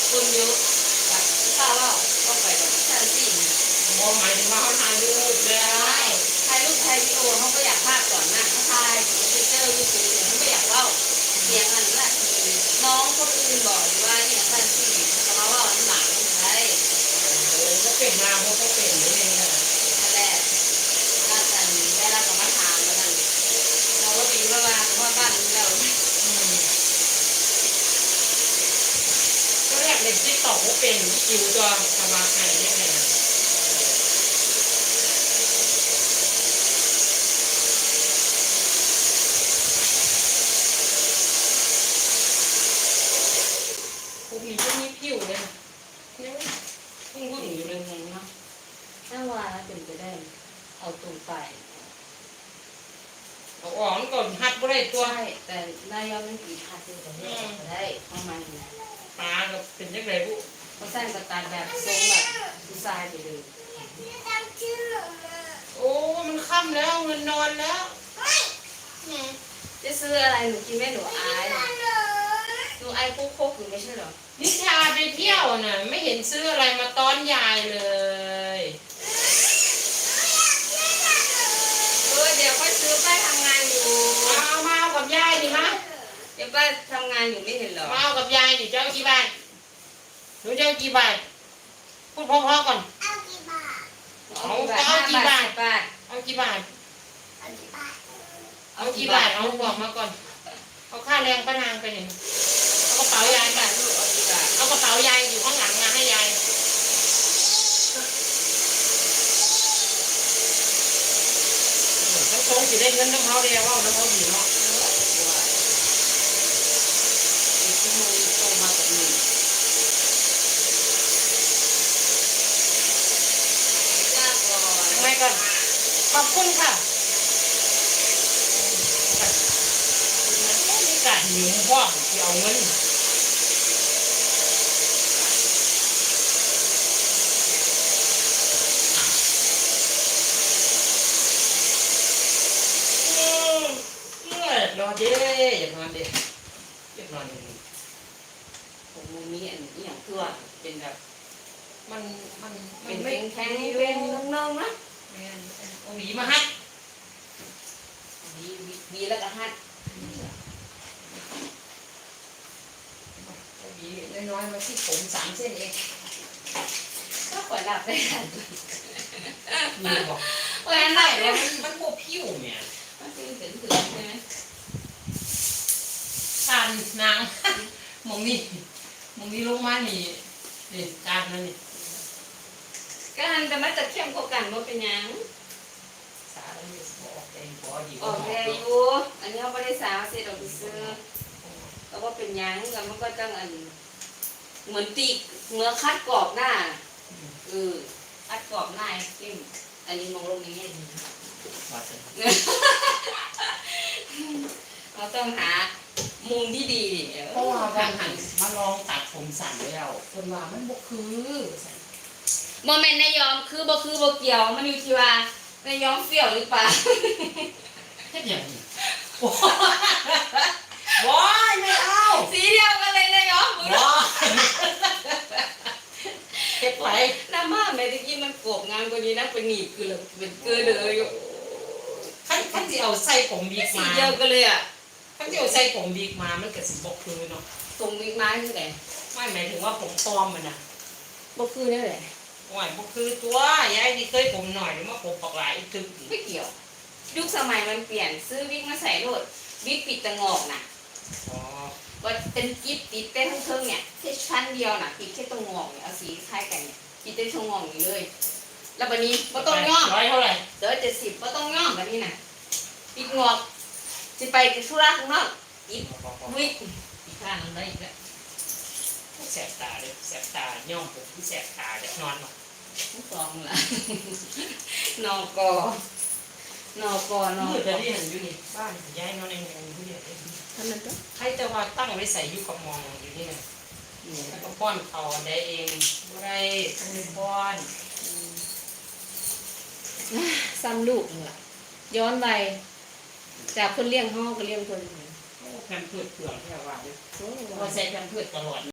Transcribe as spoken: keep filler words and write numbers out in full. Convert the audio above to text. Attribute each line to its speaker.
Speaker 1: คนเยอะแบบถ้าว่าก็ไปแบบแค่สี่
Speaker 2: มองหมายถึงว่าเขาถ่ายรูปเลย
Speaker 1: ถ่ายรูปถ่ายวิดีโอเขาก็อยากภาพก่อนนะเขาถ่ายเขาเจอรูปสวยๆเขาไม่อยากเล่าเสียงอันนั้นน้องคนอื่นบอกว่าเนี่ยแค่สี่เขามาว่าหนังใช่
Speaker 2: ก็เป็นมาเขาก็เป็นนี่เองนะ
Speaker 1: นั่นแหละบ้านกันได้รับกรรมฐานแล้วกันเราก็ปีว่าว่าบ้านเรา
Speaker 2: ก็แรกเด็กที่ตอบว่าเป็นคิวตัวสมาไทยได้ไงนะพวกนี้ก็มีผิวเลยยังพุ่งพุ่งอยู่เลยเนาะ
Speaker 1: ถ้าว่าเป็นไปได้เอาตรงไป
Speaker 2: เอาออกก่อนหัดบ่ได้ตัว
Speaker 1: ใช่แต่นายยอมไม่กี่หัดเลยแต่ไม่ได้ประมาณนี้
Speaker 2: ปลาก็เป็นยังไงบุ
Speaker 1: เขาสร้างกระตันแบบทรงแบบผู้ชายไปเลย
Speaker 2: โอ้มันค่ำแล้วมันนอนแล้ว
Speaker 1: จะซื้ออะไรหนูกินไม่หนูอายหนูอายโคกโคกอยู่ไม่ใช่หรอ
Speaker 2: นิชาไปเที่ยวน่ะไม่เห็นซื้ออะไรมาต้อนยายเลย
Speaker 1: เออเดี๋ยวค่อยซื้อไปทำงานอยู่
Speaker 2: เอามาเอากับยายดิมะ
Speaker 1: เดี๋ยวไปทำงานอยู่ไม่เห็นหรอ
Speaker 2: มาเอากับยายดิเจ้ากี่บาทหนูเจ้ากี่บาทพูดพอๆก่อน
Speaker 1: เอากี่บาท
Speaker 2: เอาเอากี่บาทเอากี่บาทเอากี่บาทเอาบอกมาก่อนเอาค่าแรงป้านางไปหนึ่งเอากระเป๋ายายไป
Speaker 1: เอากี่บาท
Speaker 2: เอากระเป๋ายายอยู่ข้างหลังมาให้ยายทั้งสองสิได้เงินทั้งเขาเดียวว่าทั้งเขาอยู่เนาะ
Speaker 1: อีกชั่วโมงตรงมากับหนึ่งจ้าก่อน
Speaker 2: ทำไมก่อนขอบคุณค่ะมีการหิวพ่อที่เอาเงินรอเด้อย่านอนเด้อย่านอนอย่างนี้
Speaker 1: ผมมีอันนี้อย่างตัวเป็นแบบ
Speaker 2: มันมัน
Speaker 1: เป็นเพลงแข็งเป็นน้องๆนะ
Speaker 2: เอาหวีมาฮัด
Speaker 1: วีวีแล้วก็ฮัด
Speaker 2: เอาหวีน้อยๆมาที่ผมสามเส้นเอง
Speaker 1: ก็ปล่อยหลับได้ทัน
Speaker 2: มีบอก
Speaker 1: ปล่อยหลับ
Speaker 2: แล้วมันมันโบผิวเนี่ย
Speaker 1: มันคือถึงถึงใช่ไหม
Speaker 2: การนางมองนี่มองนี่ลงมานี่นี่การนั่นนี่
Speaker 1: การแต่มันจะเข้มกว่ากันว่าเป็นยัง
Speaker 2: สาแล้วนี่บอกเองพอดี
Speaker 1: ออกแรงอยู่อันนี้เขาไม่ได้สาวเสร็จออกไปซื้อแต่ว่าเป็นยังแล้วมันก็ต้องอันเหมือนตีเมื่อคัดกรอบหน้าเออคัดกรอบหน้าเข้มอันนี้มองลงนี้เราต้องหามุมที่ดี
Speaker 2: เพราะว่าการหันมาลองตัดผมสั้นแล้วคนว่ามันบกคือ
Speaker 1: โมเมนต์นายยอมคือบ่คือบ่เกี่ยวมันอยู่ที่ว่านายยอมเฟี้ยวหรือเปล่า
Speaker 2: แค่อย่างนี้ว้ายไม่เอา
Speaker 1: สีเดียวกันเลยนายยอม
Speaker 2: ว้ายเก็บไป
Speaker 1: น้ำมาแม่ตะกี้มันโกบงานกว่านี้นะเป็นหนีบคือเลยเป็นเกลือเลยอยู่
Speaker 2: ขั้นขั้นที่เอาใส่ผมบีกมา
Speaker 1: สีเดียวกันเลยอ่ะ
Speaker 2: ขั้นที่เอาใส่ผมบีกมามันเกิดสิบกคือเนาะ
Speaker 1: ตรงบีกมาคือไง
Speaker 2: ไม่หมายถึงว่าผมปลอมมันอ่ะ
Speaker 1: บกคือนี่แหละ
Speaker 2: โอ้ยบกคือตัวยายที่เคยผมหน่อยหรือว่าผมปากหลายตึก
Speaker 1: ไม่เกี่ยวยุคสมัยมันเปลี่ยนซื้อวิกมาใส่โลดวิกปิดตะงอกน่ะ
Speaker 2: อ๋อ
Speaker 1: ว่าเป็นกิ๊บติดเต้นทั้งเครื่องเนี่ยแค่ชั้นเดียวน่ะปิดแค่ตรงงอกเนี่ยเอาสีคล้ายกันเนี่ยปิดเต้นตรงงอกอยู่เลยแล้ววันนี้ก็ต้องย่อม
Speaker 2: ร้อยเท่าไหร่
Speaker 1: เดี๋ยวเจ็ดสิบก็ต้องย่อมแบบนี้น่ะปิดงอกจะไปกับธุระข้างนอกปิดวิกอีกข้างนึงได้อีกแล้ว
Speaker 2: แสบตาเลยแสบตาย่อมผมที่แสบตาจะนอนหรอ
Speaker 1: ทุกสองละนอกอนอกอนอ
Speaker 2: จะได้เห็นอยู่นี่บ้านย้ายนอนในเมืองผู้เดียว
Speaker 1: ท่านนั้นก็
Speaker 2: ใครจะว่าตั้งไว้ใส่ยุกับมองอยู่นี่แล้วก็ป้อนเขาได้เองอะไรทั้งป้อน
Speaker 1: ซ้ำลูกเหรอย้อนไปจากคนเลี้ยงห้องก็เลี้ยงคน
Speaker 2: แพมเพิร์ดเปลือกแค่ว่าว่าใส่แพมเพิร์ดตลอด